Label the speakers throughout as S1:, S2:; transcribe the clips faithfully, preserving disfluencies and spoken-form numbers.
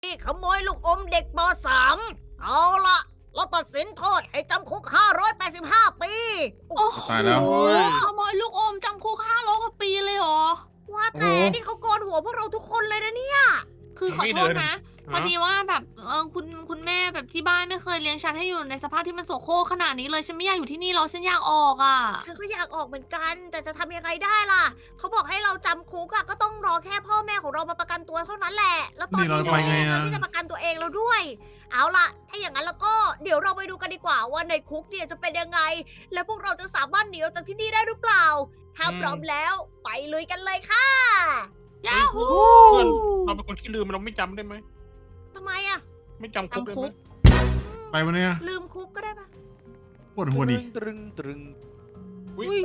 S1: นี่ขโมยลูกอมเด็กป .สาม เอาล่ะ เราตัดสินโทษให้จำคุก ห้าร้อยแปดสิบห้า ปี
S2: โอ้โห
S3: ตายแล้ว
S2: ขโมยลูกอมจำคุกห้าร้อยกว่าปีเลยเหรอ
S1: ว่าแต่นี่เขาโกนหัวพวกเราทุกคนเลยนะเนี่ย
S2: คือขอโทษนะพอดีว่าแบบเออคุณคุณแม่แบบที่บ้านไม่เคยเลี้ยงฉันให้อยู่ในสภาพที่มันโสโครกขนาดนี้เลยฉันไม่อยากอยู่ที่นี่หรอกฉันอยากออกอ่ะ
S1: ฉันก็อยากออกเหมือนกัน แต่จะทำยังไงได้ล่ะ เขาบอกให้เราจำคุกอะก็ต้องรอแค่พ่อแม่ของเรามาประกันตัวเท่านั้นแหละ แล้วตอน
S3: นี่เรา
S1: นี้
S3: จะไปไงอะ
S1: เราที่จะประกันตัวเองแล้วด้วย เอาล่ะ ถ้าอย่างนั้นแล้วก็เดี๋ยวเราไปดูกันดีกว่าว่าในคุกเนี่ยจะเป็นยังไง และพวกเราจะสามารถหนีออกจากที่นี่ได้หรือเปล่า ถ้าพร้อมแล้วไปลุยกันเลยค่ะ
S2: ยาฮู
S4: เพื่อนเราเป็นคนที่ลืมเราไม่จำได้ไหม
S1: ทำไมอะ
S4: ไม่จำคุกได้ไหม
S3: ไปวันนี้
S1: ลืมคุกก็ได้ปะ
S3: ปวดหัวดิ
S4: ตรึงตรึง
S2: อุ้ย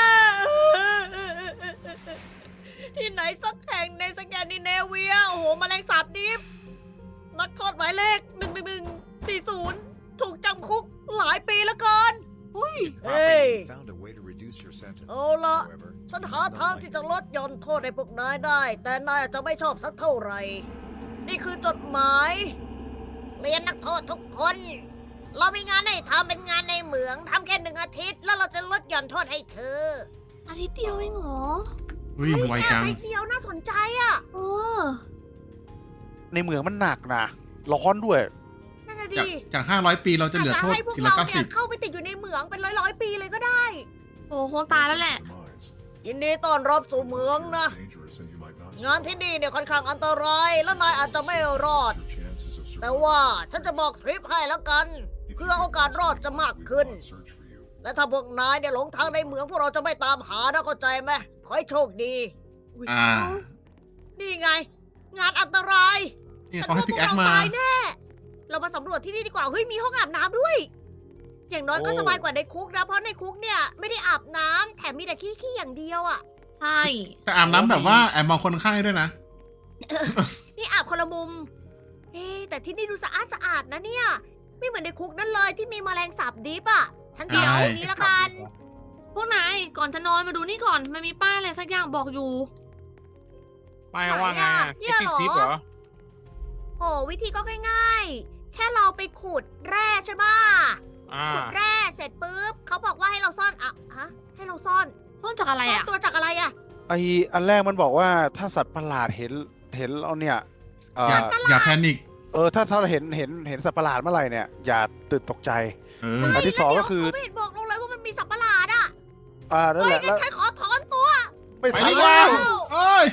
S1: ที่ไหนสักแห่งในสแกนดิเนเวีย โอ้โหแมลงสาบดิบนักโทษหมายเลขหนึ่งหนึ่งหนึ่งสี่ศูนย์ถูกจำคุกหลายปีแล้วเกิน
S2: อุ้ย
S1: เฮ้ย
S5: Found a way to reduce your sentence.
S1: เอาละ
S5: However,
S1: ฉันหาทางที่จะลดหย่อนโทษให้พวกนายได้ แต่นายอาจจะไม่ชอบสักเท่าไหร่ นี่คือจดหมายเรียนนักโทษทุกคน เรามีงานให้ทำเป็นงานในเหมืองทำแค่หนึ่งอาทิตย์ แล้วเราจะลดหย่อนโทษให้เธอ
S2: อาทิตย์เดียวเองเหรอ
S3: อุ้ยไวจัง
S1: แค่นิดเดียวน่าสนใจอะ
S2: เออ
S4: ในเมืองมันหนักนะร้อนด้วย
S1: นั่นน่ะ
S3: จาก
S1: ดิ
S3: จากห้าร้อยปีเราจะเหลือโทษ
S1: ให้พวก
S3: ทีละ
S1: เรา
S3: เก้า
S1: เนี่
S3: สิ
S1: ย
S3: บ
S1: เข้าไปติดอยู่ในเหมืองเป็นร้อยร้อยๆปีเลยก็ได้
S2: โอ้คงตายแล้วแหละ
S5: minds.
S1: ยินดีต้อนรับสู่เมืองนะ
S5: Dangerous and you might not
S1: งานที่นี่เนี่ยค่อนข้างอันตราย และนายอาจจะไม่รอด
S5: your chances of
S1: แต่
S5: survival.
S1: ว่าฉันจะบอกทริปให้แล้วกัน
S5: If
S1: เพื่อ
S5: you
S1: โอกาสรอดจะมาก
S5: we
S1: ขึ้น
S5: will not search for you.
S1: และถ้าพวกนายเนี่ยหลงทางในเหมืองพวกเราจะไม่ตามหานะเข้าใจไหมขอให้โชคดีอุ๊ย
S3: อ่า
S1: นี่ไง งานอันตราย
S3: นี่เขาให้พิกแอค
S1: ฉัน
S3: มา
S1: ว่าพวกเราตายแน่ เรามาสำรวจที่นี่ดีกว่า เฮ้ยมีห้องอาบน้ำด้วย อย่างน้อยก็
S4: โอ้
S1: สบายกว่าในคุกนะ เพราะในคุกเนี่ยไม่ได้อาบน้ำแถมมีแต่ขี้ๆอย่างเดียวอ่ะ
S2: ใช่
S3: แต่อาบน้ำแบบว่าแอบมองคนข้างให้ด้วยนะ
S1: นี่อาบคนละมุม เอ๊ะแต่ที่นี่ดูสะอาดสะอาดนะเนี่ย ไม่เหมือนในคุกนั่นเลยที่มีแมลงสาบดิบอ่ะ ฉันเดี๋ยว
S3: ใช่
S1: นี้ละกัน
S2: พวกนายก่อนจะนอนมาดูนี่ก่อนมันมีป้ายอะไรสักอย่างบอกอยู่
S4: ไม่ว่าไง
S1: เนี่ยเหรอ
S4: ทิปเหรอ
S1: โอ้วิธีก็ง่ายๆ แค่เราไปขุดแร่ใช่ปะ
S4: อ่า
S1: ขุดแร่เสร็จปุ๊บเขาบอกว่าให้เราซ่อนอ่ะฮะ ให้เราซ่อน
S2: ต้นจากอะไร
S1: ซ่อน
S2: อ่ะ
S1: ตัวจากอะไรอ่ะ
S4: ไออันแรกมันบอกว่าถ้าสัตว์ประหลาดเห็นเห็นเราเนี่ยเอ
S3: อย่า
S4: อ
S3: อย่าแพนิค
S4: เออถ้าถ้าเราเห็นเห็นเห็นสัตว์ประหลาดเมื่อไหร่เนี่ยอย่าตื่นตกใจ
S3: เออ
S4: อันที่สองก็คือ
S1: เขาไม่เห็นบอกเราเลยว่ามันมีสัตว์ประหลาดอ่ะ
S4: อ่านั่น
S1: เฮ้
S4: แห
S1: ย
S4: ละ
S1: งั้
S4: แล้
S1: น
S4: ว
S1: ฉันขอถอนตัว
S4: ไม่
S3: ไป
S4: ทัน
S3: ดีก
S4: แล้
S3: ว่าว เอ้ย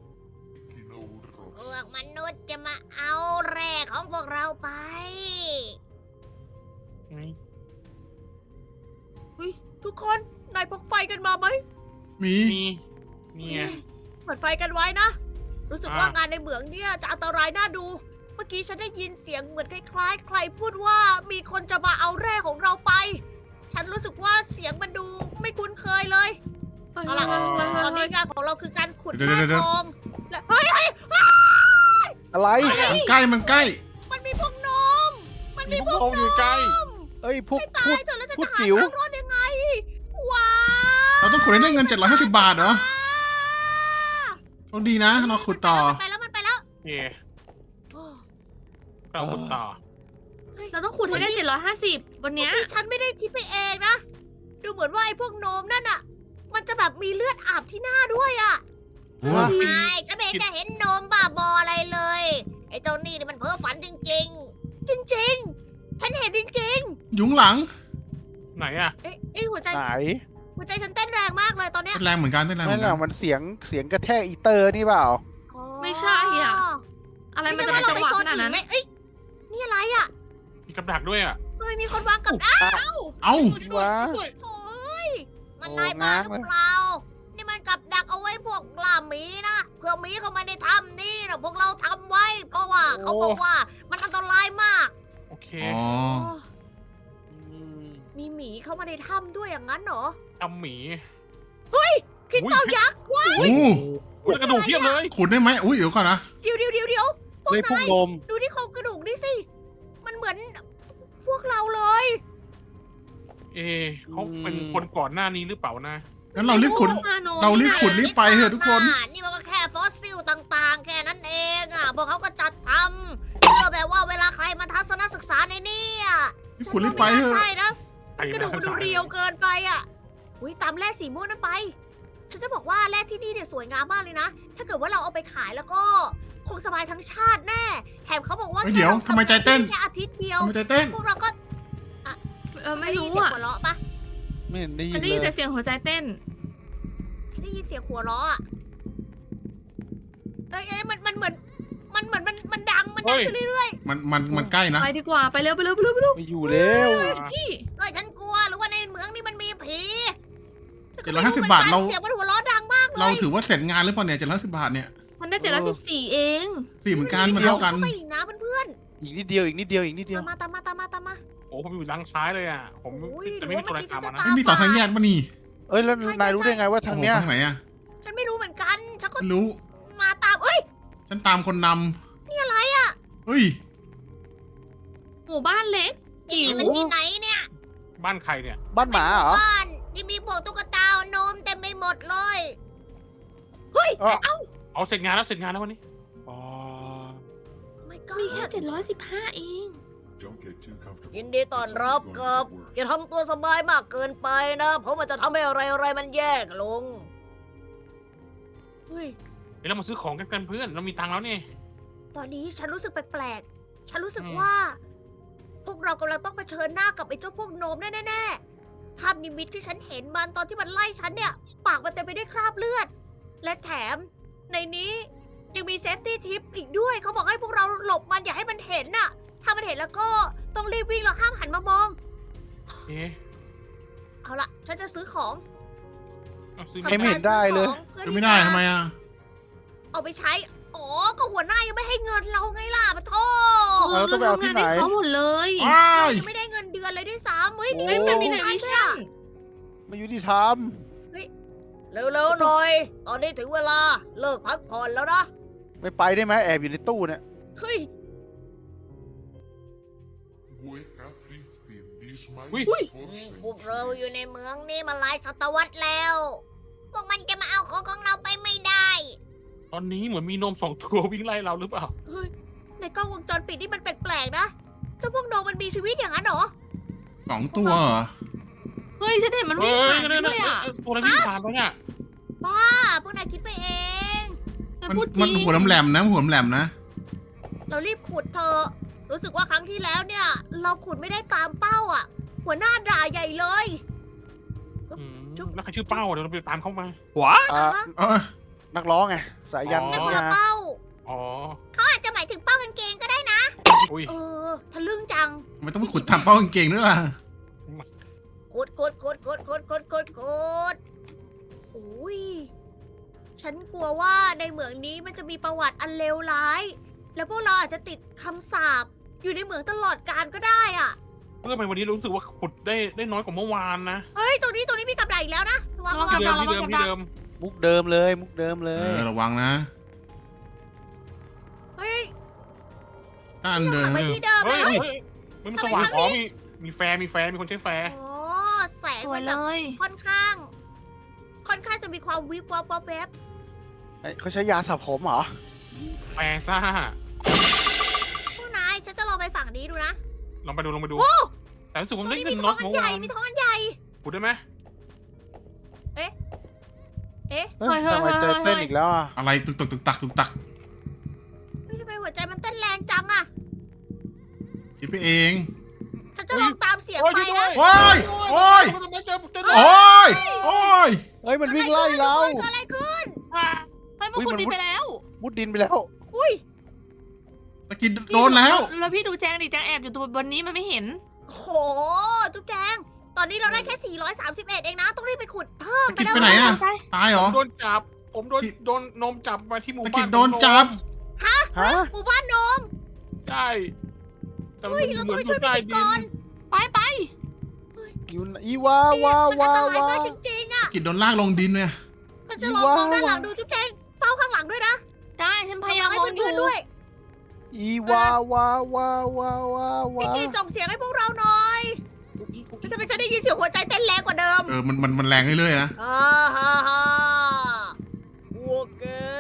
S1: พวกมนุษย์จะมาเอาแร่ของพวกเราไป ทุกคนนายพกไฟกันมาไหม
S3: มี
S4: มีนี่ไง
S1: เปิดไฟกันไว้นะ รู้สึก
S4: อ่า
S1: ว่างานในเหมืองเนี่ยจะอันตรายน่าดู เมื่อกี้ฉันได้ยินเสียงเหมือนคล้ายๆ ใครพูดว่ามีคนจะมาเอาแร่ของเราไป ฉันรู้สึกว่าเสียงมันดูไม่คุ้นเคยเลย เอาล่ะ ตอนนี้งานของเราคือการขุด
S3: เดี๋ยว
S1: แร่
S3: เดี๋ยว
S1: ทองและเฮ้ยเฮ้ย
S4: อะไร
S3: มันใกล้มันใกล้
S1: มันมีพวกนม มัน
S4: มี
S1: มี
S4: พ
S1: พ
S4: ว
S1: ว
S4: ก
S1: ก
S4: เราอยู่ใกล้ เอ้ยพวก
S1: ตา
S4: พู
S1: ย
S4: ด
S1: เถอะแล้วจะ
S4: พูด
S1: หา
S4: จิ๋ว
S1: ทางรอดยังไง ว้าว
S3: เราต้องขุดให้ได้เงินเจ็ดร้อยห้าสิบบาทเหรอโชคดีนะ เราขุดต่อ
S1: มันไปแล้วมันไปแล้ว
S4: โอเคก็เอาคุณต่อ
S2: เราต้องขุดให้ได้เจ็ดร้อยห้าสิบวันเนี้ย
S1: ที่ฉันไม่ได้คิดไปเองนะ ดูเหมือนว่าไอ้พวกโนมนั่นอะมันจะแบบมีเลือดอาบที่หน้าด้วยอะ
S3: โอ้
S1: ไม่ฉันไม่เห็นจะเห็นโนมบ้าบออะไรเลย ไอ้เจ้านี่นี่มันเพ้อฝันจริง ๆ จริง ๆ ฉันเห็นจริง
S3: ยุงหลัง
S4: ไหนอ่ะ
S1: ๆ เอ๊ะเอ๊ะหัวใจ
S4: ไหน
S1: หัวใจฉันเต้นแรงมากเลยตอนเนี้ย
S3: เต้นแรงเหมือนกันเต้นแรงเห
S4: นั่
S3: มื
S4: น
S3: อน
S4: แห
S3: กั
S4: ละ
S3: น
S4: มันเสียงเสียงกระแทกอีเตอร์นี่เปล่า
S1: อ๋อ
S2: ไม่ใช่อะ อะไรมันจะเป็นจังหวะขนาดนั้น
S1: ไม่เอ้ยนี่อะไรอะ
S4: มีกับดักด้วยอ่ะ
S1: ทำไมมีคนวางกับดัก
S3: เอ้า
S4: วะ
S1: โอ้ยมัน
S4: โอ้
S1: นายบ้าห
S4: ง้าง
S1: รือ
S4: เลย
S1: เปล่า นี่มันกับดักเอาไว้พวกล่าหมีนะเพื่อหมีเข้ามาในถ้ำนี่นะพวกเราทำไว้ เพราะว่าเขาบอกว่ามันอันตรายมาก
S4: โอเค
S3: อ๋อ
S4: อืม
S1: มีหมีเข้ามาในถ้ำด้วยอย่างนั้นเหรอ
S4: ทำหมี
S1: คริสตัลยักษ์
S3: โอ้
S4: อุ้ยกระดูกเทียบเลย
S3: ขุดได้ไหมอุ้ยเดี๋ยวก่อนนะ
S1: เดี๋ยวเดี๋ยวเดี๋ยวเดี๋ยวพวก
S4: เลยพวก
S1: นาย
S4: นม
S1: ดูที่โครงกระดูกนี่สิ มันเหมือนพวกเราเลย
S4: เอะเขาเป็นคนก่อนหน้านี้หรือเปล่านะ
S3: งั้นเรารีบขุด
S2: อาโน
S3: เรารีบขุดรีบไปเถอะทุกคน
S1: นี่มันก็แค่ฟอสซิลต่างๆ แค่นั้นเองอ่ะพวกเขาก็จัดทำเพื่อแบบว่าเวลาใครมาทัศนศึกษาในนี่อ่ะ
S3: พี่คุณรีบไปเถ
S1: ฉันว่าม่น่า
S3: อะ
S1: ใช่นะ
S6: ไป
S1: กระดูกมันดูเรียวเกินไปอ่ะอุ้ยตามแร่สีม่วงนั่นไป ฉันจะบอกว่าแร่ที่นี่เนี่ยสวยงามมากเลยนะ ถ้าเกิดว่าเราเอาไปขายแล้วก็คงสบายทั้งชาติแน่ แถมเขาบอกว่า
S3: เฮ้ยเดี๋ยว
S1: แค่รา
S3: ทำไมใจเต้น
S1: แค่อาทิตย์เดียว
S3: ทำไมใจเต้น
S1: พวกเราก็
S2: เออไม่
S1: ด้
S2: รู้
S1: ยินเสียง
S2: อ่ะ
S1: หัวเราะปะ
S4: ไม่เห็นได้ยิ
S2: มัน
S4: น
S2: ได้ยิน
S4: เล
S2: แต่
S4: ย
S2: เสียงหัวใจเต้น
S1: ฉันได้ยินเสียงหัวเราะอะเอ้ยเอ้ยมันมันเหมือน มันเหมือนมันมันดังมันดังขึ้นเรื่อย
S3: มันมันมันใกล้นะ
S2: ไปดีกว่าไปเร็วไปเร็วไปเร็วไปเร็ว
S4: ไม่อยู่แล้ว
S2: พี่
S1: ๆเฮ้ยฉันกลัวหรือว่าในเมืองนี่มันมีผี
S3: เจ็ดร้อยห้าสิบบาทเรา
S1: เสียงมันหัวเราะดังมากเลย
S3: เราถือว่าเสร็จงานหรือเปล่าเนี่ยเจ็ดร้อยสิบบาทเนี่ย
S2: มันได้เจ็ดร้อยสิบสี่เอง
S3: สี่เหมือนกันมันเท่ากัน
S1: เข้าไปอีกนะเพื่อน
S4: อีกนิดเดียวอีกนิดเดียวอีกนิด
S1: ๆ
S4: เดียว
S1: ตามมาตามมาตามมาตามมา
S6: โอ้ผมอยู่ด้านซ้ายเลยอ่ะ ผม
S1: โอ้ย
S6: จะไม่มีตัวอะไรตามมานะ
S1: หรือว่าเมื่อกี้ฉันจะตาม
S3: ไม่มีสองทางแยกปะนี่
S4: เอ้ยแล้วนายรู้ได้ไงว่าทางเนี้ย
S3: โอ้โหทางไหนอะ
S1: ฉันไม่รู้เหมือนกันฉันก็
S3: ไม่รู้
S1: มาตามเอ้ย
S3: ฉันตามคนนำ
S1: นี่อะไรอ่ะ
S3: เฮ้ย
S2: หมู่บ้านเล็กจิ๋
S1: นี่
S2: ว
S1: มันที่ไหนเนี่ย
S6: บ้านใครเนี่ย
S4: บ้านหมาเหรอ
S1: บ้านที่มีพวกตุ๊กตาโนมเต็มไปหมดเลย
S4: เอ้า
S6: เอาเสร็จงานแล้วเสร็จงานแล้ววันนี้
S4: อ๋อ
S1: ไม่ก็
S2: มีแค่เจ็ดร้อยสิบห้าเอง
S5: Don't get too comfortable.
S1: ยินดีต้อนรับกับ อย่าทำตัวสบายมากเกินไปนะ เพราะมันจะทำให้อะไรอะไรๆมันแยกลง เฮ้ย
S6: เดี๋ยวเรามาซื้อของกันกันเพื่อน เรามีตังค์แล้วนี่
S1: ตอนนี้ฉันรู้สึกแปลกๆ ฉันรู้สึก
S6: อืม
S1: ว่า พวกเรากำลังต้องเผชิญหน้ากับไอ้เจ้าพวกโนมแน่ๆ ภาพนิมิตที่ฉันเห็นมันตอนที่มันไล่ฉันเนี่ย ปากมันเต็มไปด้วยคราบเลือด และแถมในนี้ยังมีเซฟตี้ทิปอีกด้วย เขาบอกให้พวกเราหลบมันอย่าให้มันเห็นน่ะ ถ้ามันเห็นแล้วก็ต้องรีบวิ่งแล้วห้ามหันมามอง
S6: เอ๊ะ
S1: เอาละฉันจะซื้อของ
S6: เอาซื้อ
S1: ทำ
S6: ไม่
S4: ไม่
S1: การ
S4: เห็นได้เลย
S1: ซื้อของพื่อ
S3: จะ
S1: ที่
S3: ไม่ได้
S1: จะ
S3: ทำไมอะ
S1: เอาไปใช้ อ๋อ ก็หัวหน้ายังไม่ให้เงินเราไงล่ะมาโท
S2: เออเราทำงานให้เขาหมดเลย
S3: ว้าย
S1: ยังไม่ได้เงินเดือนเลยด้วยซ้ำเฮ้ยนี่
S2: ไม่
S1: เป็
S2: เป็น นมี
S1: มี
S2: แต่
S1: ฉัน
S2: วิ
S1: ด้วย
S2: ชั่
S1: อะ
S2: น
S4: ไม่ยุติธรรม
S1: เร็วๆหน่อย ตอนนี้ถึงเวลาเลิกพักผ่อนแล้วนะ
S4: ไม่ไปได้ไหมแอบอยู่ในตู้เนี่ย
S1: เฮ้ย
S5: We have fifteen. This might
S6: Ui.
S5: be
S1: พวกเราอยู่ในเมืองนี้มาหลายศตวรรษแล้ว พวกมันจะมาเอาของของเราไปไม่ได้
S6: ตอนนี้เหมือนมีนมสองตัววิ่งไล่เราหรือเปล่า
S1: เฮ้ย ในกล้องวงจรปิดนี่มันแปลกๆนะ เจ้าพวกโนมันมีชีวิตอย่างนั้นเหรอ
S3: สองตัวเหรอ
S2: เฮ้ยฉันเห็นมันวิ่งผ่านไปด้วยอ่ะ
S6: ตัวอะไรวิ่งผ่านแล้วเนี่ย
S1: บ้า พวกนายคิดไปเอง
S2: ฉัน
S3: มัน
S2: พูดจ
S3: มั
S2: ริ
S3: น
S2: ง
S3: หัวแหลมๆนะหัวแหลมๆนะ
S1: เรารีบขุดเธอะรู้สึกว่าครั้งที่แล้วเนี่ย เราขุดไม่ได้ตามเป้าอ่ะ หัวหน้าด่าใหญ่เลย
S6: อืมแล้วใครชื่อเป้าเดี๋ยวเราไปตามเข้ามา
S4: อ่ะ
S1: อ่ะฮะ
S3: เออ
S4: นักร้องไง สายยัน
S6: อ๋อ
S1: แต่คน
S4: นะ
S1: ละเป้า
S6: อ๋อ
S1: เขาอาจจะหมายถึงเป้ากางเกงก็ได้นะ
S6: อุ้ย
S1: เออทะลึ่งจัง
S3: ทำไมต้องไปขุดทำเป้ากางเกงด้วยล่ะ
S1: ขุดขุดขุดขุดขุดขุดขุดขุดอุ้ย ฉันกลัวว่าในเหมืองนี้มันจะมีประวัติอันเลวร้าย แล้วพวกเราอาจจะติดคำสาปอยู่ในเหมืองตลอดกาลก็ได้อ่ะ
S6: เพื่อไปวันนี้รู้สึกว่าขุดได้ได้น้อยกว่าเมื่อวานนะ
S1: เฮ้ย ตรงนี้ตรงนี้มีกับดักอีกแล้วนะระวังระวั
S6: ที่
S1: ง
S6: เดิมที่เดิมที่เดิม
S4: มุกเดิมเลย มุกเดิมเล
S3: เอย อระวังนะ
S1: เฮ้ย
S3: ต้านเดิน
S1: กลับไปที่เดิม
S6: เฮ้ย
S1: เลย
S6: เฮ้ยมันสว่างอ๋อมีมีแฟร์มีแฟร์มีคนใช้แฟร์
S1: อ๋อแสง
S2: สว
S1: มั
S2: ย
S1: น
S2: เล
S1: แบบ
S2: ย
S1: ค่อนข้าง ค่อนข้างจะมีความวิบวับวับแวบ
S4: เอ้ยเขาใช้ยาสระผมเหรอ
S6: แฟร์ซ่า
S1: พวกนายฉันจะลองไปฝั่งนี้ดูนะ
S6: ลองไปดูลองไปดู
S1: โอ้
S6: แต่รู้สึก
S1: ตร
S6: ว่าง ได้
S1: นี้
S6: เงิ
S1: มี
S6: น
S1: ท้
S6: น้
S1: อ
S6: อง ย
S1: อั
S6: กว่าน
S1: ให
S6: เมื่อ
S1: ญ่
S6: วาน
S1: มีท้องอันใหญ่
S6: ขุดได้ไหม
S4: เอ้ย
S2: เฮ้ยเฮ้ย
S4: ทำไมใจ
S2: เฮ้ย
S4: เต้นอีกแล้วอ่ะ
S3: อะไรตุกตักตุกตักตุกตัก
S1: เฮ้ยทำไมหัวใจมันเต้นแรงจังอะ
S3: คิดไปเอง
S1: ฉันจะลองตามเสียง
S6: โอ้ย
S1: ไป
S6: ช่วย
S1: นะ
S6: ด้วย
S3: โอ้ยโอ้ย
S6: ทำไมเจอเจอ
S3: โอ้ยโอ้ย
S4: เฮ้ย มันวิ่งไล่เรา
S1: เกิดอะไรขึ้น
S2: เฮ้ยพวกคุณดีไปแล้ว
S4: มุดดินไปแล้ว
S1: อุ้ย
S3: ตะกินโดนแล้ว
S2: แล้วพี่ดูแจงดิแจงแอบอยู่ตัวบนนี้มันไม่เห็น
S1: โหจุ๊บแดง ตอนนี้เราได้แค่ สี่ร้อยสามสิบเอ็ด เองนะ ต้องรีบไปขุดเพิ่ม
S3: ตะ
S1: ไป
S3: กิด
S1: แล้ว
S3: ไปไหนอะ
S2: ไป
S3: ตายเหรอ
S6: โดนจับ ผมโดนโดนนมจับมาที่หมู่
S3: ตะ
S6: บ้า
S3: กิ
S6: น
S3: ดโดนจับ
S4: ฮะ
S1: หมู่บ้านโนม
S6: ใช่แต่มัน
S1: เฮ้ย
S6: เห
S1: เรา
S6: มื
S1: ต้อ
S6: อง น
S1: ไป
S6: อ
S1: ช่วย
S6: ยู่ใต้
S1: พี่
S6: ดิ
S1: ก่อน
S6: น
S2: ไปไป
S4: อยู่ไหนอีวา
S1: นี่
S4: วา
S1: มันอัน
S4: วา
S1: ตรายว
S4: าม
S1: ากจริงๆอะ
S3: ตะกิดโดนลากลงดินเนี่ย
S1: มันจะลองมองด้านหลังดูจุ๊บแดงเฝ้าข้างหลังด้วยนะ
S2: ได้ฉันพยายาม
S1: ให้
S2: มองอยู่
S1: เพื่อนๆด้วย
S4: อีวาวาวาวาวาวา
S1: พี่กีส่งเสียงให้พวกเราหน่อยแล้วทำไมฉันได้ยินเสียงหัวใจเต้นแรงกว่าเดิม
S3: เออมันมันมันแรงเรื่อยๆนะ
S1: ฮ่าฮ่าฮ่าพวกแกตาย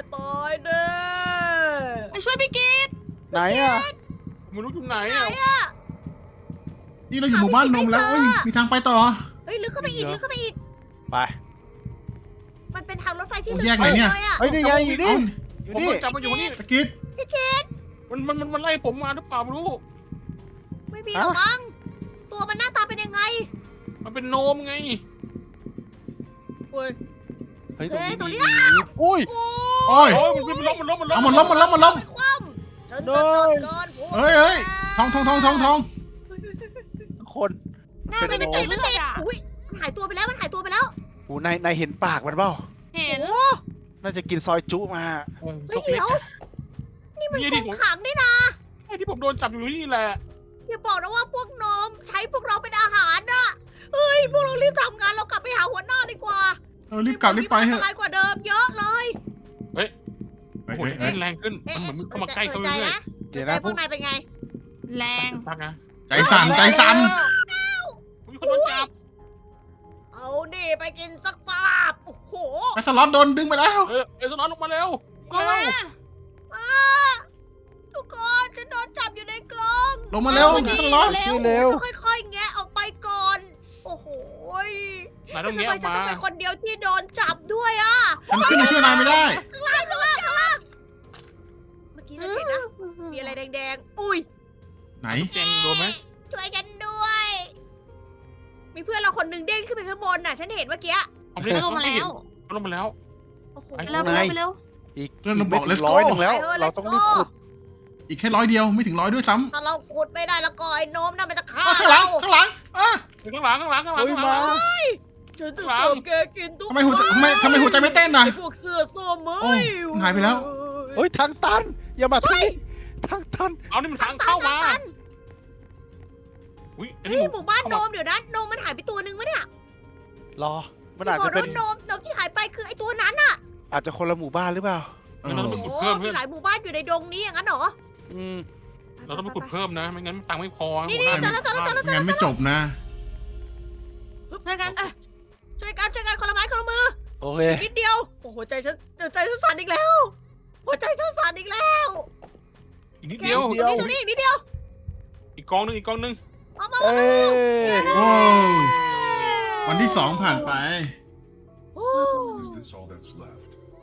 S1: ายแน่
S2: ไปช่วยพี่กีด
S4: ไหนอ่ะ
S6: ไม่รู้อยู่ไหน
S1: ไหน
S6: อ่ะ
S1: อะ
S3: นี่เราอยู่หมู่บ้านนมแล้วเอ้ยมีทางไปต่อ
S1: เฮ้ยลึกเข้าไปอีกลึกเข้าไปอีก
S4: ไป
S1: มันเป็นทางรถไฟที่
S3: โอ้
S1: ลึก
S3: แยกไหนเนี่ย
S1: เลยอะ
S4: เฮ้ยนี่ไงอยู่นี่
S3: เอ้า
S4: อยู่
S6: ผม
S4: นี่
S6: โดนจับมาอยู่นี่
S3: ตะกิด
S6: มันมันมันมันไล่ผมมาหรือเปล่าไม่รู้
S1: ไม่มีหรอกมั้งตัวมันหน้าตาเป็นยังไง
S6: มันเป็นโนมไง
S1: เฮ้ย
S4: เฮ้ยตรงนี้
S1: เฮ้ยตรงนี้
S4: มีอุ้ย
S3: โอ้ย
S6: โอ้ยมันมันล้มมันล้มมันล้
S3: เอา
S6: ม
S3: มันล้มมันล้มมันล้ม
S1: คว่ำฉันจะจัดการพวก
S3: เฮ้ยเฮ้ยทองทองทองทองทอง
S4: คน
S2: หน้า
S4: เป็
S2: มัน
S4: น
S2: เป็น
S4: โน
S2: ติ
S4: ม
S2: ดเลือดอ่ะ
S1: อุ้ยมันหายตัวไปแล้วมันหายตัวไปแล้ว
S4: โอ้นายนายเห็นปากมันเปล่า
S2: เห็น
S1: โอ้
S4: น่าจะกินซอยจุมา
S6: โอ้ย
S1: ไม่
S6: ซกเล็
S1: เดี๋
S6: ก
S1: ยว
S6: อะ
S1: นี่มัน
S6: นี่
S1: ข
S6: ดิ
S1: อง
S6: ผม
S1: ขังนี่นะ
S6: ไอ้ที่ผมโดนจับอยู่นี่แหละ
S1: อย่าบอกนะว่าพวกน้องใช้พวกเราเป็นอาหารนะเฮ้ยพวกเรารีบทำงานเรากลับไปหาหัวหน้าดีกว่า
S3: เออรีบกลับรีบไปเถ
S1: อัน
S3: อะ
S1: ตรายกว่าเดิมเยอะเลย
S3: เฮ้ย
S6: โอ้โห
S3: เฮ้ยเฮ้ย
S6: แรงขึ้นมันเหมือนเข้ามาใกล้เขา
S1: ใจ
S6: เรื่อย
S1: นะ
S4: เดี๋ยว
S1: ใจ
S4: นะ
S1: พวกนายเป็นไง
S2: แรง
S6: ๆพักนะ
S3: ใจสั่นใจสั่น
S6: มีคนโดนจับ
S1: เอาดิไปกินสักปาบโอ้โห
S3: ไอ้สล็อตโดนดึงไปแล้ว
S6: เออเอสนอนออกมาเร็ว
S2: ลงมา
S1: อ้าทุกคนฉันโดนจับอยู่ในกรง
S3: ลงมาเร็ว
S2: เอามาดิ
S3: สล็อต
S2: เร็ว
S4: เร็ว
S1: ต้องค่อยๆแงะออกไปก่อนโอ้โหย
S6: นายต้อง
S1: ทำ
S6: เงี้ย
S1: ไม
S6: ออก
S1: ฉัน
S6: มา
S1: ต้องเป็นคนเดียวที่โดนจับด้วยอ่ะ
S3: ฉันขึ้นมาช่วยนายไม่ได้
S1: ข้างล่างข้างล่างข้างล่างเมื่อกี้เราเห็นนะมีอะไรแดงๆอุ้ย
S3: ไหน
S6: แจงโดนไหม
S1: ช่วยฉันด้วย มีเพื่อนเราคนหนึ่งเด้งขึ้นไปข้างบนน่ะ ฉันเห็นเมื่อกี้
S6: เอาไปเลย
S2: ลงมาแล้ว
S6: เอาลงมาแล้ว
S1: โอ้โห
S6: ไป
S2: ไปเร็วไปเร็วไปเร็ว
S4: อีก
S3: เพื่อนมันบอก
S4: ไม่ถึ
S3: let's
S4: ง
S3: go
S4: ร้อยหนึ่งแล้ว
S1: ไปเถอะ
S4: เราต้อง
S1: let's
S4: รีบ
S1: go
S4: ขุด
S3: อีกแค่ร้อยเดียวไม่ถึงร้อยด้วยซ้ำ
S1: ถ้าเราขุดไม่ได้แล้วก็ไอ้โน้มน่ะมันจะฆ่า
S3: อ้าวข้างหลัง
S1: เรา
S3: ข้างหลังอ่ะ
S6: ข้างหลังข้างหลังข้างหลัง
S4: เฮ้ย
S6: ข้างหลั
S4: มา
S6: ง
S1: ฉันจะ
S6: หลัง
S1: ทำแกกินทุก
S3: ทำไมหัวใจทำไมทำไมหัวใจไม่เต้นน่ะ
S1: ไอ้พวกเสื้อส้ม
S3: โอ้
S1: เอ้ย
S3: มันหายไปแล้ว
S4: เฮ้ยทางตัน อย่ามาที่ทางตัน
S6: เอานี่มันทางเข้ามา
S1: ตัน
S6: อุ้ยอัน
S1: เฮ้
S6: นี้
S1: ยหมู่บ้านโนมเดี๋ยวนะโนมมันหายไปตัวนึงวะเนี่ย
S4: รอ มันอาจ
S1: บอ
S4: จะ
S1: ก
S4: เป็น
S1: ว่าโนมโนมที่หายไปคือไอ้ตัวนั้นน่ะ
S4: อาจจะคนละหมู่บ้านหรือเปล่า
S3: เออ
S6: เราต้องไปขุด
S1: โอ้
S6: เพิ่ม
S1: มี
S6: เพื่อน
S1: หลายหมู่บ้านอยู่ในดงนี้อย่างนั้นเหรอ
S4: อืม
S6: เราต้องไปขุดเพิ่มนะไม่งั้นตังค์ไม่พอ
S1: นี่นี่เจอแล้วเจอแล้วเจอแล้วเจอ
S3: งั้
S1: แล้ว
S3: นไม่จบนะ
S2: ช่วยกัน
S1: ช่วยกันช่วยกันคนละไม้คนละมือ
S4: โอเค
S1: นิดเดียวโอ้โหใจฉันใจฉันสั่นอีกแล้ว หัวใจฉันสั่นอีกแล้ว
S6: อีกนิดเดียว
S4: เดียว
S1: ตรงนี้ตรงนี้นิดเดียว
S6: อีกกองหนึงอีกกองหนึง
S1: มามา
S4: เอ้ย
S3: โอ้วันที่สองผ่านไป
S1: โอ้
S5: Is this all that's left?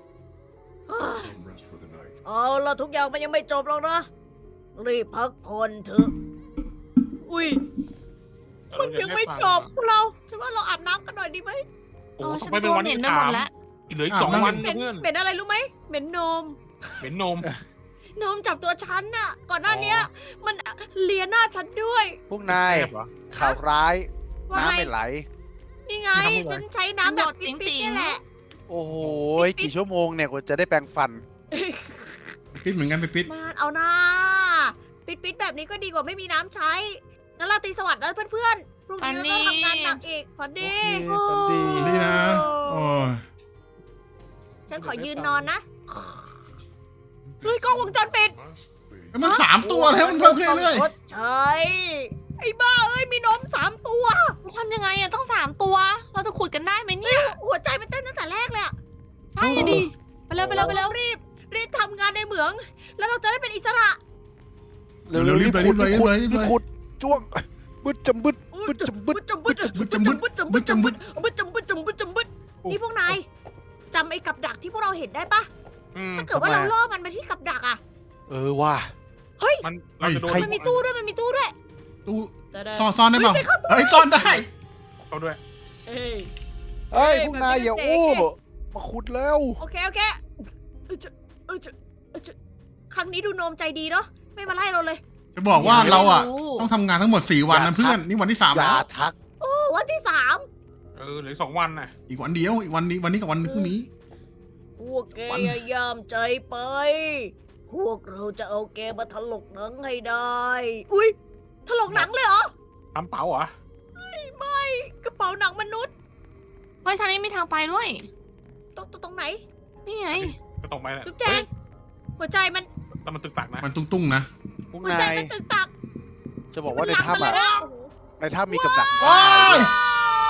S5: Some rest for the night.
S1: เอาละทุกอย่างมันยังไม่จบหรอกนะ รีบพักผ่อนเถอะ อุ้ย มันยังไม่จบพวกเราฉันว่าเราอาบน้ำกันหน่อยดีไหม
S6: โอ้
S2: เอ
S6: โห
S2: อฉัน
S6: ไปเป็น
S2: ตัว
S6: วัน
S2: เหม็
S6: ที่
S2: นไปหม
S6: สา
S2: ด
S6: ม
S2: แล้ว
S6: อีกเหลืออีกสอง
S3: อ่ะ
S6: วัน
S1: เหม็
S6: นะ
S1: น
S6: เพื่อน
S1: เหม็นอะไรรู้ไหมเหม็นนม
S6: เหม็นนม
S1: นมจับตัวฉันน่ะ ก่อนหน้าเนี้ย มันเลียหน้าฉันด้วย
S4: พวกนาย
S6: แซ่บเหรอ
S4: ข่าวร้าย
S1: ว่า
S4: น้ำ
S1: ไง
S4: ไม่ไหล
S1: นี่ไง
S6: ไม่ทำอะไร
S1: ฉันใช้น้ำแบบ
S2: โดด
S1: ปิ๊
S2: ติ๋
S1: ด
S2: งๆ
S1: ๆนี่แหละ
S4: โอ้โห กี่ชั่วโมงเนี่ยกว่าจะได้แปรงฟัน
S3: ปิดเหมือนกันไปปิด
S1: มานเอาหน้าปิดๆแบบนี้ก็ดีกว่าไม่มีน้ำใช้งั้นเราตีสวัสดิ์นะเพื่อนๆพรุ่งนี้เราต้องทำงานหนักอีกฝัน
S4: โอ
S1: ดี
S4: เคฝันดี
S3: นี่นะ โอ้ย
S1: ฉันขอยืนนอนนะ เฮ้ยกล้องวงจรปิด
S5: Must be.
S3: แล้วมันสามตัวแล้วมันเพิ่มขึ้นเรื่อย
S1: ชดใช่ไอ้บ้าเอ้ยมีนมสามตัว
S2: ทำยังไงอะต้องสามตัว เราจะขุดกันได้ไหมเนี่ย
S1: หัวใจมันเต้นตั้งแต่แรกเลยอะ
S2: ใช่อะดิ ไปเร็วไปเร็วไปเร็ว
S1: รีบรีบทำงานในเหมือง แล้วเราจะได้เป็นอิสระ
S3: เร็วๆรีบเลยรีบเลยรีบเลยรีบเลย
S4: ขุดจ้วงบึดจำบึดบึดจำบึด
S1: จำบึด
S3: บึดจำบึด
S1: บึดจำบึดจำบึดบึดจำบึดจำบึดจำบึดนี่พวกนายจำไอ้กับดักที่พวกเราเห็นได้ปะ
S6: อืม
S1: ถ้าเกิดว่าเราล่อมันไปที่กับดักอะ
S4: เออว่ะ
S6: มันเราจะโดน
S1: มันมีตู้ด้วยมันมีตู้ด้วย
S3: ตู้ซ่อนซ่อนได้เปล่า
S1: เฮ้ยใช่ครับ
S3: เฮ้ยซ่อนได้
S6: เขาด้วย
S1: เอ้ย
S4: เฮ้ย
S1: เฮ้ย
S4: พวกนายอย่า
S1: มันเป็น
S4: อู้
S1: เจ๊
S4: มาขุดแล้ว
S1: โอเคโอเคเออจะเออจะเออจะครั้งนี้ดูโนมใจดีเนาะไม่มาไล่เราเลย
S3: จะบอกว่าเราอ่ะ
S2: โ
S3: ต้องทำงานทั้งหมดสี่วัน
S4: อย่า
S3: นะเพื่อน
S4: ทัก
S3: นี่วันที่สาม
S4: อย่า
S3: แล้ว
S4: ทัก
S1: โอ้วันที่สาม
S6: เออเหลืออกสองวันน่ะ
S3: อีกวันเดียว อีกวันนี้วันนี้กับวันพรุ่งนี้
S1: พวกแกอย่ายามใจไป พวกเราจะเอาแกมาถลกหนังให้ได้ อุ้ยถลกหนังเลยเหรอ
S6: ทำเป๋าเหรอ
S1: ไม่กระเป๋าหนังมนุษย์
S2: เฮ้ยทางนี้มีทางไปด้วย
S1: ตรงตรงตรงไหน
S2: นี่ไง
S6: ก็ตรงไปแหละ
S1: จุ๊บแจง หัวใจมัน
S6: แต่มันตึกตักนะ
S3: มันตุ้งๆนะ
S4: พวก
S1: หัวใจ
S4: นาย
S1: มันตึกตัก
S4: จะบอกว่าใน
S1: มั
S4: ถ้ำ
S1: ล
S4: อ่ะ
S1: มไปเลยนะโอ้โห
S4: ในถ้ำมีกับดัก
S3: โอ้ย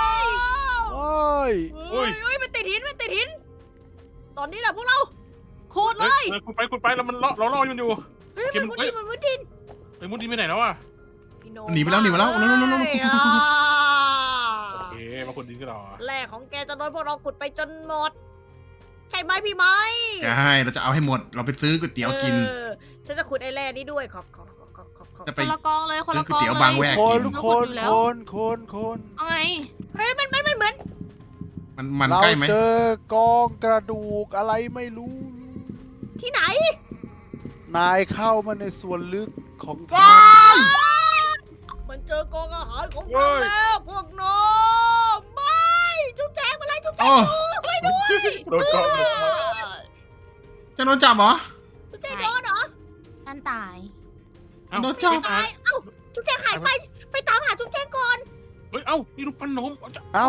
S4: โอ้ย
S1: เฮ้ยเฮ้ยมันติดหินมันติดหิน ตอนนี้แหละพวกเราขุดเล
S6: เฮ้ย
S1: ย
S6: เออขุดไปขุดไปแล้วมันล่อเราล่อมันอยู่
S1: เฮ้ย
S6: เก็
S1: มัน
S6: บ
S1: มุด
S6: เอ้
S1: ดิ
S6: ย
S1: นมันมุดดิน
S6: ไอ้มุดดีไปไหนแล้วอ่ะ
S1: พี่โ
S3: หนีไปแล้วหนีไปแล้ว
S1: บ้า
S3: เร็วๆๆๆ
S1: เลยอ่ะ
S6: โอเคมาขุดดินกันเหรอ
S1: แร่ของแกจะโดนพวกเราขุดไปจนหมด ใช่ไหมพี่ไหม
S3: ใช่เราจะเอาให้หมด เราไปซื้อก๋วยเตี๋ยวกิน
S1: เออฉันจะขุดไอ้แร่นี้ด้วยขอบขอบขอบขอบขอบขอบ
S3: จะ
S2: ค
S3: ไป
S2: นละกองเลยคนละกอง
S3: ซื้อก๋วยเตี๋ยว
S2: เลย
S3: บางแวก
S4: คนคน
S2: อยู่แล้ว
S4: คนคนคน
S2: เอาไง
S1: เฮ้ยมันมันมันเหมือน
S3: มันมัน
S4: เรา
S3: ใกล้ไหม
S4: เจอกองกระดูกอะไรไม่รู้
S1: ที่ไหน
S4: นายเข้ามาในส่วนลึกของถ้
S3: ว้าย
S1: มันเจอกองอาหารของเราแล้วพวกน้องไม่จุ๊บแจงมาเลยจุ๊บแจ
S3: โอ้
S1: ง
S6: โดนกล้องเลย
S3: จะโดนจับเหรอ
S1: จุ๊บแจงโดนเหรอ
S2: ท่านตาย
S6: เอ้า
S3: โดนจับ
S6: ไม่
S1: ตา
S6: ตาย
S1: ยเอ้าจุ๊บแจงหายไปไปตามหาจุ๊บแจงก่อน
S6: เฮ้ยเอ้านี่รูปปั้นนมเอาจะ
S4: ำเอ้า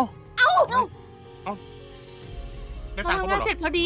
S6: ได้
S2: เรา
S6: ตังค์เขา
S2: ทำ
S6: หม
S2: งา
S6: ด
S2: น
S6: เหรอ
S2: เสร็จพอดี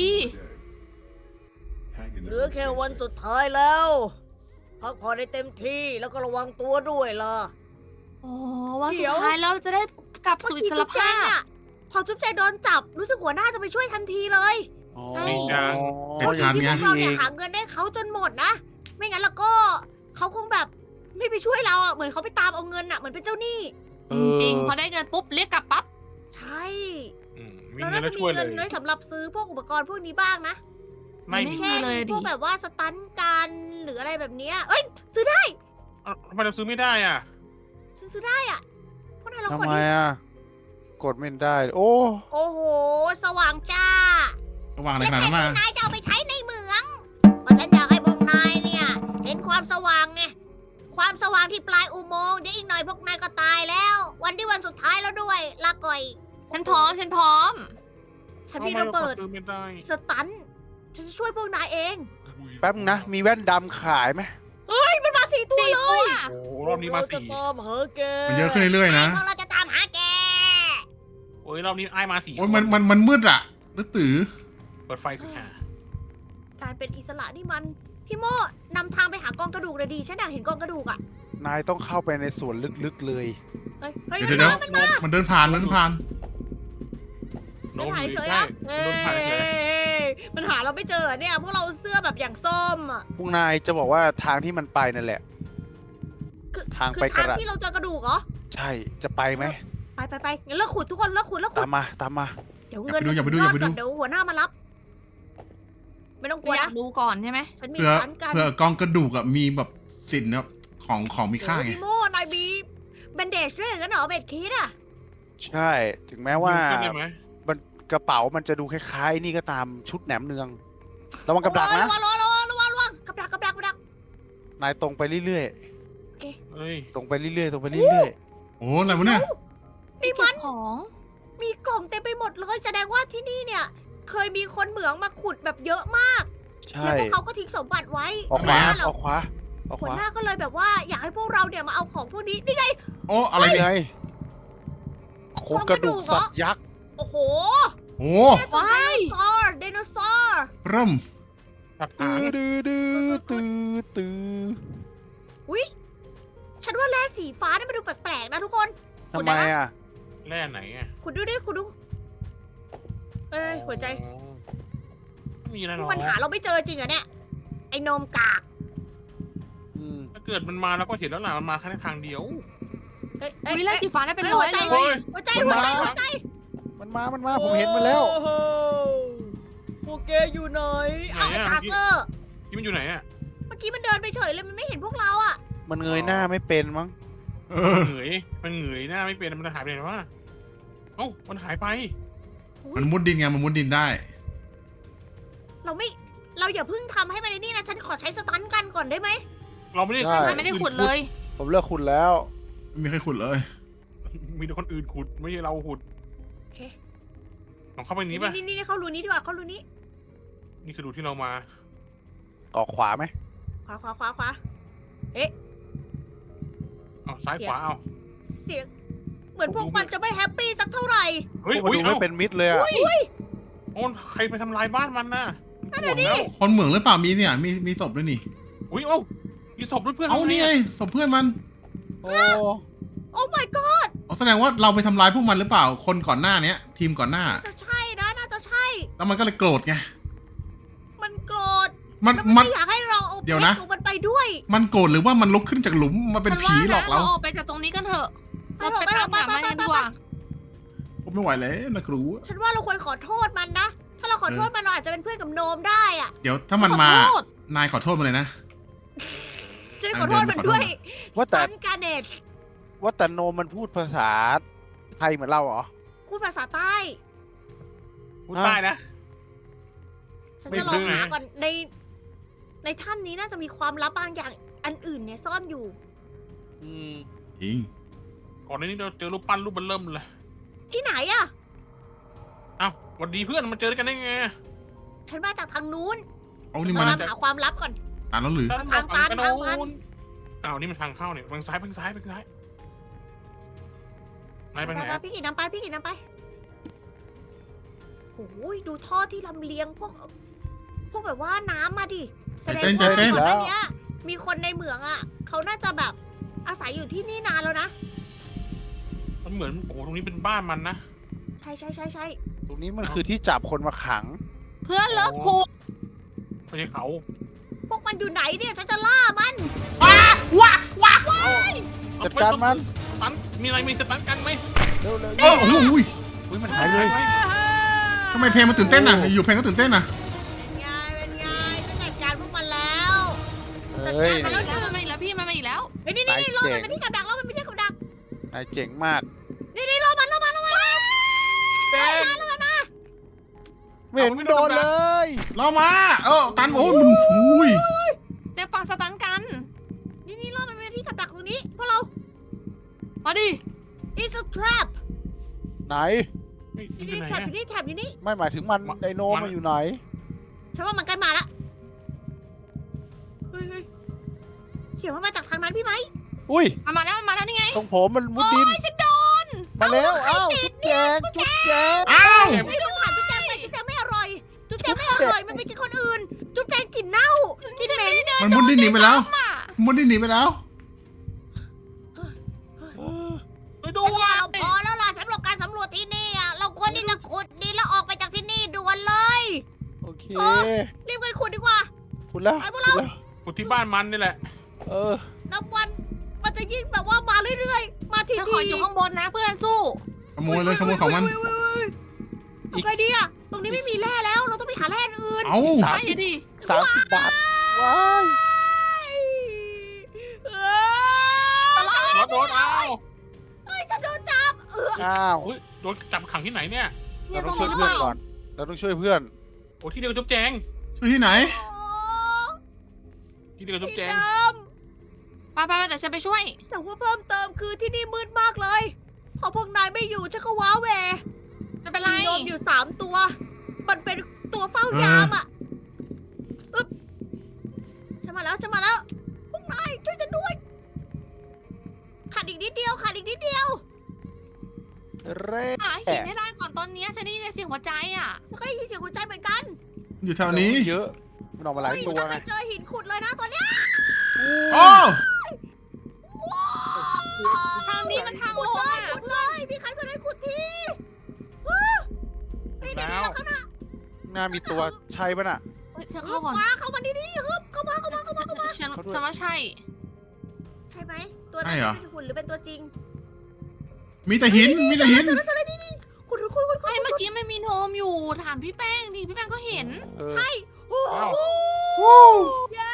S5: Hang in
S1: เห
S5: there
S1: ลือ
S5: and
S1: แค่
S5: stay
S1: วัน
S5: safe.
S1: สุดท้ายแล้วพักผ่อนให้เต็มที่แล้วก็ระวังตัวด้วยล่ะ
S2: โอ้วัน
S1: เดี๋
S2: สุ
S1: ยว
S2: ดท้ายเราจะได้กลับ
S1: เมื่อ
S2: สู่อิ
S1: กี้
S2: สร
S1: จุ๊บแจ
S2: ภาง พ
S1: น่ะพอจุ๊บแจงโดนจับรู้สึกหัวหน้าจะไปช่วยทันทีเลย
S4: อ๋อ
S2: ใช่
S3: เป็น
S1: เขา
S3: ทาง
S1: ที่
S3: ไง
S1: พวกเราเนี่ยหาเงินได้เขาจนหมดนะ ไม่งั้นแล้วก็เขาคงแบบไม่ไปช่วยเราอ่ะเหมือนเขาไปตามเอาเงินอ่ะเหมือนเป็นเจ้าหนี้
S4: เออ
S2: จริงพอได้เงินปุ๊บเรียกกลับปั๊บ
S1: ใช่
S6: อืมมี
S1: เรา
S6: เงิ
S1: น่าน
S6: แล้
S1: จะ
S6: ว
S1: มี
S6: ช่วยเล
S1: เงิ
S6: ย
S1: นไว้สำหรับซื้อพวกอุปกรณ์พวกนี้บ้างนะ
S6: ไม่
S2: ไม่
S6: มี
S2: ใช่ เลยดิ
S1: พวกแบบว่าสตันการหรืออะไรแบบเนี้ยเอ้ยซื้อได้
S6: เอ้าทำไมเราซื้อไม่ได้อ่ะ
S1: ฉันซื้อได้อ่ะพวกนายลอง
S4: ทำ
S1: กด
S4: ไม
S1: ดิ
S4: อ่ะ กดไม่ได้ โอ้
S1: โอ้โห สว่างจ้า
S3: ระหว่างอะไร
S1: และ
S3: ขนาด
S1: แค่
S3: นั้น
S1: พว
S3: มาก
S1: นายจะเอาไปใช้ในเมืองก็ฉันอยากให้พวกนายเนี่ย เห็นความสว่างไงความสว่างที่ปลายอุโมงค์เดี๋ยวอีกหน่อยพวกนายก็ตายแล้ว วันที่วันสุดท้ายแล้วด้วยลาก่อย
S2: ฉันพร้อมฉันพร้อม
S1: ฉันมีระเบิด
S6: ทำไมาซื้อไม่ได้
S1: สตันฉันจะช่วยพวกนายเอง
S4: แป๊บนึงนะ มีแว่นดำขายไหม
S1: เฮ้ยมันมาสี่ตัว
S2: สี่
S1: เล
S2: ตัวย
S6: โอ้โหรอบนี้มาสี่
S1: เรจะตามหาแก
S3: มันเยอะขึ้นเรื่อยๆนะ
S1: พวกเราจะตามหาแก
S6: โอ้ยรอบนี้ไอ้ายมาสี่
S3: โอ้ยมันมันมันมืดอะตื้อตือ
S6: เปิดไฟสิค่ะ
S1: การเป็นอิสระนี่มันพี่โมนำทางไปหากองกระดูกเลยดีฉันอยากเห็นกองกระดูกอ่ะ
S4: นายต้องเข้าไปในส่วนลึกๆเลย
S1: เฮ้ยเฮ้ย
S3: เดี๋ยวเดี๋ยว
S1: มันมา
S3: มันเดินผ่านมันเดินผ่าน
S6: โน
S1: มัน
S6: ม
S1: หาย
S6: อยู่
S1: เฉย
S6: ใช่
S1: อ่ะ
S6: โดนผ่านเฉย
S1: เอ้ยมันหาเราไม่เจอเนี่ยพวกเราเสื้อแบบอย่างส้มอ่ะ
S4: พวกนายจะบอกว่าทางที่มันไปนั่นแหละ
S1: คือ
S4: ทาง
S1: คื
S4: ไป
S1: อก ทาง
S4: ระดาษ
S1: ที่เราเจอกระดูกเหรอ
S4: ใช่ จะไปไหม
S1: ไปไปไปงั้นเลิกขุดทุกคนเลิกขุดเลิกขุ
S4: ตา
S1: ด
S4: มมา ตามมา
S1: เดี๋ยวเงิน
S3: อย่าไปดู
S1: มัน
S3: อย่าไปดู
S1: รอ
S3: อย่าไปดู
S1: ก่อนเดี๋ยวหัวหน้ามารับ ไม่ต้องกลัว
S2: อยา
S1: นะ
S2: กดูก่อนใช่ไหม
S1: ฉันมี
S3: เพื่อ
S1: ร้านกัน
S3: เพื่อกองกระดูกอะมีแบบสินเนี่ยของของมีค่า
S1: โอ้
S3: ไง
S1: พี่โมนายมีแบนเดจด้วยกันเหรอเบ็ดคิดอ่ะ
S4: ใช่ ถึงแม้ว่า
S6: ยืนขึ้นได้ไหม
S4: มันกระเป๋ามันจะดูคล้ายๆ นี่ก็ตามชุดแหนมเนือง ระวังกับดัก
S1: โอ้ย
S4: นะ
S1: ระวังระวังระวังระวังระวังกับดักกับดักกับดัก
S4: นายตรงไปเรื่อย
S6: เฮ้ย
S4: ๆ ตรงไปเรื่อยๆ ตรงไปเรื่อย
S3: โอ้อะไรวะเนี่ย
S1: นี่
S2: เก็
S1: มั
S2: บ
S1: น
S2: ของ
S1: มีกล่องเต็มไปหมดเลยแสดงว่าที่นี่เนี่ย เคยมีคนเหมืองมาขุดแบบเยอะมาก
S4: ๆ ใช่
S1: แล้วพวกเขาก็ทิ้งสมบัติไว้
S4: ออกขวา
S1: หัวหน้
S4: ออกขวาออกข
S1: หัว
S4: วา
S1: หน้าก็เลยแบบว่าอยากให้พวกเราเนี่ยมาเอาของพวกนี้นี่ไง
S3: โอ้อะไร
S4: นี่
S3: เนี่ย
S4: ไงโครงกระดูกสัตว์ยักษ์
S1: โอ้โห
S3: โอ้
S1: ไดโนเสาร์ไดโนเสาร์
S3: เริ่ม
S6: ตับ
S4: ตื้
S6: หาง
S4: อดื้อดื้อตื้อตื้อ
S1: อุ้ยฉันว่าแร่สีฟ้านี่มันดูแปลกๆนะทุกคน
S4: ทำไมอ่ะ
S6: แร่ไหนอ่ะ
S1: คุณดูดิคุณดูเอ้ยหัวใจ
S6: อ๋อไม่มีอะไรหร
S1: นี่
S6: อก
S1: มันหาเราไม่เจอจริงเหรอเนี่ยไอ้นมกาก
S4: อืม
S6: ถ้าเกิดมันมาแล้วก็เห็นแล้วล่ะมันมาแค่ทางเดียว
S1: เอ้ยเอ้ย
S2: วิลา
S1: เอ้ย
S2: สีฟ้าได้เป็น
S1: เฮ้ย
S2: ร้
S1: หั
S2: อ
S1: วย ใจ
S2: เลย
S1: หัวใจหัวใจหัวใจ
S4: มันมา มันมา ผมเห็นมันแล้ว
S1: โอ้โหพวกแกอยู่ไหนเอาไอ้ตาเซอร์
S6: ที่มันอยู่ไหนอ่ะ
S1: เมื่อกี้มันเดินไปเฉยเลยมันไม่เห็นพวกเราอ่ะ
S4: มันเงยหน้าไม่เป็นมั้ง
S3: เอ
S6: มัน
S3: อ
S6: เหนื่อยมันเหนื่อยหน้าไม่เป็นมันหายไปไหนวะเอ้ามันหายไป
S3: มันมุดดินไงมันมุดดินได้
S1: เราไม่ เราอย่าเพิ่งทำให้มันในนี่นะ ฉันขอใช้สตันกันก่อนได้ไหม
S6: เราไม่ได้
S4: ได้
S2: ฉันไม่ได้ขุดเลย
S4: ผมเลือกคุณแล้ว
S3: ไม่มีใครขุดเลย
S6: มีแต่คนอื่นขุดไม่ใช่เราขุด
S1: โอเค
S6: ลองเข้าไปนี้ป่ะ
S1: นี่นี่นี่เข้ารูนี้ดีกว่าเข้ารูนี้
S6: นี่คือดูที่เรามา
S4: ออกขวาไหม
S1: ขวาขวาขวาขวา
S6: เอาซ้ายขวาเอา
S1: เสียง เหมือนพวกมันจะไม่แฮปปี้สักเท่าไหร่
S6: เฮ้ย
S4: พวกมัน
S6: อุ้ย
S4: ดูไม่
S6: เอ้า
S4: เป็นมิตรเลยอ่ะ
S6: โอ้ใครไปทำลายบ้านมันน่ะ
S1: นั่น
S6: ห่
S1: น่ะ
S6: วง
S1: ดิ
S6: แล้ว
S3: คนเหมืองหรือเปล่ามีเนี่ยมีมีศพด้วยนี่
S6: อุ้ยเอ้ามีศพด้วยเพื่อน
S3: เอา
S6: รา
S3: นี่ไงศพเพื่อนมัน
S4: โอ้
S1: โอ้ my god
S3: เอาแสดงว่าเราไปทำร้ายพวกมันหรือเปล่า คนก่อนหน้าเนี้ย ทีมก่อนหน้า
S1: จะใช่นะน่าจะใช่
S3: แล้วมันก็เลยโกรธไง
S1: มันโกรธ
S3: มัน
S1: แล้วมัน
S3: มัน
S1: ไม่อยากให้เราเอา
S3: เดี๋ยว
S1: เพช
S3: นะ
S1: รของมันไปด้วย
S3: มันโกรธหรือว่ามันลุกขึ้นจากหลุมมาเป็น
S2: ฉั
S3: ผี
S2: ว่
S3: หลอกเรา
S2: นะออกไปจากตรงนี้กันเถอะ
S1: ไป
S2: เรา
S1: เถอะ
S2: ไปตาม
S1: ไป
S2: หา
S1: เถอะ
S2: มันกัน
S1: ไป
S2: ดี
S1: เถอะ
S2: กว่า
S3: ผมไม่ไหวแล้วนะครู
S1: ฉันว่าเราควรขอโทษมันนะ ถ้าเราขอโทษมันเราอาจจะเป็นเพื่อนกับโนมได้อะ
S3: เดี๋ยวถ้ามันมา
S2: ขอโทษ
S3: นายขอโทษมาเลยนะ
S1: ฉันขอโทษมันด้วย
S4: ว่าแต่
S1: สันการเนต
S4: ว่าแต่โนมมันพูดภาษาไทยเหมือนเราเหรอ
S1: พูดภาษาใต้
S6: พูดใต้นะ
S1: ฉัน
S6: ไม่
S1: จะลอง
S6: รู้ไง
S1: หาก่อนใน ในถ้ำนี้น่าจะมีความลับบางอย่างอันอื่นเนี่ยซ่อนอยู่
S4: อืม
S3: จริง
S6: ก่อนหน้านี้เราเจอรูปปั้นรูปมันเริ่มเลย
S1: ที่ไหนอะ
S6: อ้าววันดีเพื่อนมันเจอกันได้ไง
S1: ฉันมาจากทางนู้น
S3: เอานี่
S1: มา
S3: มัน
S1: หาความลับก่อน
S3: ตานแล้วหรือ
S1: ทางตัน
S6: กระ
S1: ทางตัน
S6: โนอ้าวนี่มันทางเข้าเนี่ยทางซ้ายทางซ้ายทางซ้ายนายไปไหน
S1: ไปๆพี่กินน้ำไปพี่กินน้ำไปโอ้ยดูท่อที่ลำเลียงพวก พวกแบบว่าน้ำมาดิแสดง
S3: ใจเต้น
S1: ว่า
S3: ใจเต้น
S1: ก่อนหน้านี้มีคนในเหมืองอ่ะเขาน่าจะแบบอาศัยอยู่ที่นี่นานแล้วนะ
S6: มันเหมือนโอ้โหตรงนี้เป็นบ้านมันนะ
S1: ใช่ใช่ใช่ใช่
S4: ตรงนี้มันคือที่จับคนมาขัง
S2: เพื่อนเลิกคูด
S6: ไม่ใช่เขา
S1: พวกมันอยู่ไหนเนี่ยฉันจะล่ามัน
S4: จัดการมัน
S6: ตันมีอะไรมีสตันกันไหม
S4: เร็วเร็ว
S3: โอ้โหอุ้ย
S4: อุ้ยมันหายเลย
S3: ทำไมเพลงมันตื่นเต้นอ่ะ อยู่เพลงก็ตื่นเต้นอ่ะ
S1: เป็นไงเป็นไงฉันจัดการพวกมันแล้ว
S4: เฮ้ย
S2: มาแล้วมันมาอีกแล้วพี่มันมาอีกแล้ว
S1: เฮ้ยนี่นี่นี่
S4: นาย
S1: ล่อ
S4: เจ๋
S1: มัน
S4: ง
S1: ไปที่กับดักล่อมันไปที่กับดัก
S4: นายเจ๋งมาก
S1: นี่นี่ล่อมันล่อมันล่อมันล่อมัน
S6: แป้ง
S1: ล่อมันนะ
S4: ไม่เห็นโดนเลย
S3: เรามา เออตันโอ้ยมันอุ้ย
S2: เดี๋ยวปักสตันกัน
S1: นี่นี่ล่อมันไปที่กับดักตรงนี้พวกเรา
S2: มาดิ
S1: it's a trap
S4: ไหน
S6: เฮ้ยมัน
S1: นี่
S6: อยู่
S1: นี่
S6: ไหน
S1: trap อ
S6: อะ
S1: ยู่นี่ trap อยู่นี่
S4: ไม่หมายถึงมัน
S6: มา
S4: ไดโน
S6: มา
S4: มาอยู่ไหน
S1: ฉันว่ามันใกล้มาละเฮ้ยเฮ้ยเสียงมันมาจากทางนั้นพี่ไหม
S4: อุ้ย
S2: มามาแล้วมาแล้วนี่ไง
S4: ตรงผมมันมุด
S2: โอ้
S4: ดิน
S2: ยฉันโดน
S4: มาแล้วอ้าวจุ๊บแจงจุ๊บแจง
S3: อ้าว
S1: ไม่ต้องถามจุ๊บแจงไปจุ๊บแจงไม่อร่อย จุ๊บแจงไม่อร่อย มันไปกินคนอื่น จุ๊บแจงกลิ่นเน่า กินเหม็น
S3: มันมุดดินหนีไปแล้ว
S2: มา
S3: มุดดินหนีไปแล้ว
S6: ไปดู
S1: ฉันว่าเราพอแล้วล่ะสำหรับการสำรวจที่นี่อ่ะ เราควรที่จะขุดดินแล้วออกไปจากที่นี่ด่วนเลย
S4: โอเค
S1: โอ้ รีบกันขุดดีกว่า
S4: คุณแล้ว
S1: ไปพว
S4: คุ
S1: ก
S4: ณ
S1: เรา
S4: แล้ว
S6: กูที่บ้านมันนี่แหละ
S4: เออ
S1: นับวัน มันจะยิ่งแบบว่ามาเรื่อยๆ มาที
S2: ฉัน
S1: ที
S2: ขออยู่ข้างบนนะเพื่อนสู้
S3: ขโมยเลยขโมยของมัน
S1: เอาไงดีอ่ะ ตรงนี้ไม่มีแร่แล้ว เราต้องไปหาแร่อื่น
S3: เอ้า
S4: สาม
S2: ไป
S4: สิบ
S2: ดิ
S4: สามสิบบาท ว้าย
S1: เอ้ย
S6: รถโดนอ้าว
S1: เอ้ยฉันโดนจับเออ
S4: อ้าว
S6: เฮ้ยโดนจับขังที่ไหนเนี่ย
S2: เนี่
S4: เรา
S2: ยต
S4: ต้
S2: ร
S4: อง
S2: ง
S4: ช่วย
S2: นี้หรือ
S4: เพื่
S2: เป
S4: อน
S2: ล่า
S4: ก่อน เราต้องช่วยเพื่อน
S6: โอ้ที่เดียวกับจุ๊บแจง
S3: ช่วยที่ไหน
S6: ที่เดียวกับจุ๊บ
S1: ที่
S6: แจง
S1: เดิม
S2: ไปไปไปเดี๋ยวฉันไปช่วย
S1: แต่ว่าเพิ่มเติมคือที่นี่มืดมากเลย พอพวกนายไม่อยู่ฉันก็ว้าแหว
S2: ไม่เป็นไร
S1: มีโดมอยู่สามตัว มันเป็นตัวเฝ้ายามอ่ะอึ๊บฉันมาแล้วฉันมาแล้ว พวกนายช่วยฉันด้วย ขาดอีกนิดเดียวขาดอีกนิดเดียว
S4: เร่
S2: หาหินให้ได้ก่อนตอนเนี้ยฉันได้ยินเสียงหัวใจอ่ะ
S1: มันก็ได้ยินเสียงหัวใจเหมือนกัน
S3: อยู่แถวนี้
S4: เยอะ มันออกมาหลาย
S1: เฮ้ย
S4: ตัว
S1: ถ้าใคร
S4: ไง
S1: เจอหินขุดเลยนะตอนเนี้ย
S3: โอ้
S2: ทางนี้มันทาง
S1: ขุ
S2: ล
S1: ด
S2: ง
S1: เลย
S2: อ่ะ
S1: ขุดเลยพี่ใครก็ได้ขุดทีว้าเฮ้ยเดี๋ยว
S6: แล้
S1: เดี๋ยว วข้างหน้า
S4: หน้ามีตัวใช่ปะน่ะ
S2: เฮ้ยเธอ
S1: เข้า
S2: เข้าก่อน
S1: มาเข้ามาดีๆฮึบเข้ามาเข้ามาเข้ามาเข้ามา
S2: ฉัน
S4: เขาด้วย
S2: ฉันว่าใช่
S1: ใช่ไหมตัวนั้นเป็นหุ่นหรือเป็นตัวจริง
S3: มีแต่หิน มีแต่หิน
S1: ขุดขุดขุดขุดขุด
S2: ไม่เมื่อกี้ไม่มีโนมอยู่ถามพี่แป้งดิพี่แป้งก็เห็น
S4: เออ
S1: ใช่โอ้โห
S6: อ้าว
S1: เย้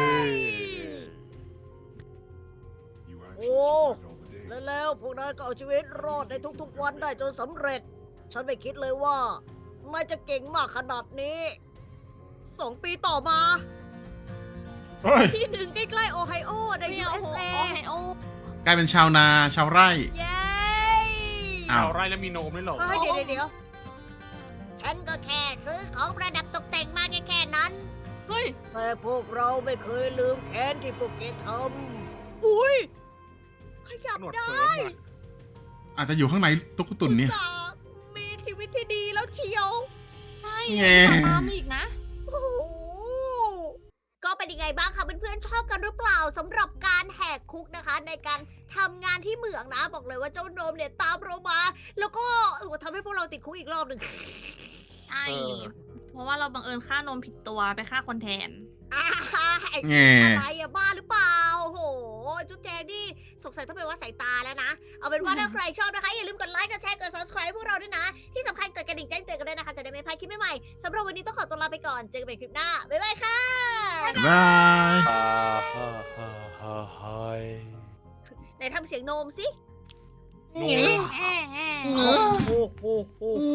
S5: You actually
S1: Oh.
S5: survived all the days.
S1: และแล้วพวกนายก็เอาชีวิตรอดในทุกๆวันได้จนสำเร็จ ฉันไม่คิดเลยว่านายจะเก่งมากขนาดนี้สองปีต่อมา
S3: เฮ้ย
S1: ที่หนึ่งใกล้ๆโอไฮโอใน
S2: ไม่
S1: ยู
S2: เอา
S1: เอส
S2: โอ
S1: เอ
S2: ไฮโอก
S3: ลายเป็นชาวนาชาวไร่
S1: เย้
S3: อ้าว
S6: เอาไรแล้วมีโนมด้วยเหรอ
S1: เฮ้ยเดี๋ยวเดี๋ยวเดี๋ยวฉันก็แค่ซื้อของประดับตกแต่งมาแค่แค่นั้น
S2: เฮ้ย
S1: แต่พวกเราไม่เคยลืมแค้นที่พวกแกทำอุ้ย ขยับ
S6: หนวด
S1: ได้
S6: เฟิร์มอะ
S3: อาจจะอยู่ข้างในตุ๊กตุนเนี่ย
S1: อุตส่าห์มีชีวิตที่ดีแล้วเชียว
S2: ใช่
S3: แง่
S2: ตามอีกนะ
S1: โอ้โหก็เป็นยังไงบ้างคะเพื่อนๆชอบกันหรือเปล่าสำหรับการแหกคุกนะคะ ในการทำงานที่เหมืองนะ บอกเลยว่าเจ้าโนมเนี่ยตามเรามา แล้วก็โอ้โหทำให้พวกเราติดคุกอีกรอบหนึ่ง
S2: ใช่ เพราะว่าเราบังเอิญฆ่านมผิดตัวไปฆ่าคนแทน
S1: อ่าไอ้
S3: แง่
S1: อะไรอะบ้าหรือเปล่าโอ้โหจุ๊บแจงนี่สงสัยต้องเป็นว่าสายตาแล้วนะ เอาเป็นว่าถ้าใครชอบนะคะ อย่าลืมกดไลค์ กดแชร์ กด subscribe พวกเราด้วยนะ ที่สำคัญกดกระดิ่งแจ้งเตือนกันด้วยนะคะ จะได้ไม่พลาดคลิปใหม่ๆสำหรับวันนี้ต้องขอตัวลาไปก่อน เจอกันใหม่คลิปหน้า บ๊ายบายค่ะ
S3: บ๊ายบาย
S4: ฮ่าฮ่าฮ่าฮ่าฮ่า
S1: ไหนทำเสียงโนมสิ
S2: แฮ่แฮ่
S1: โอ้โหโอ้โห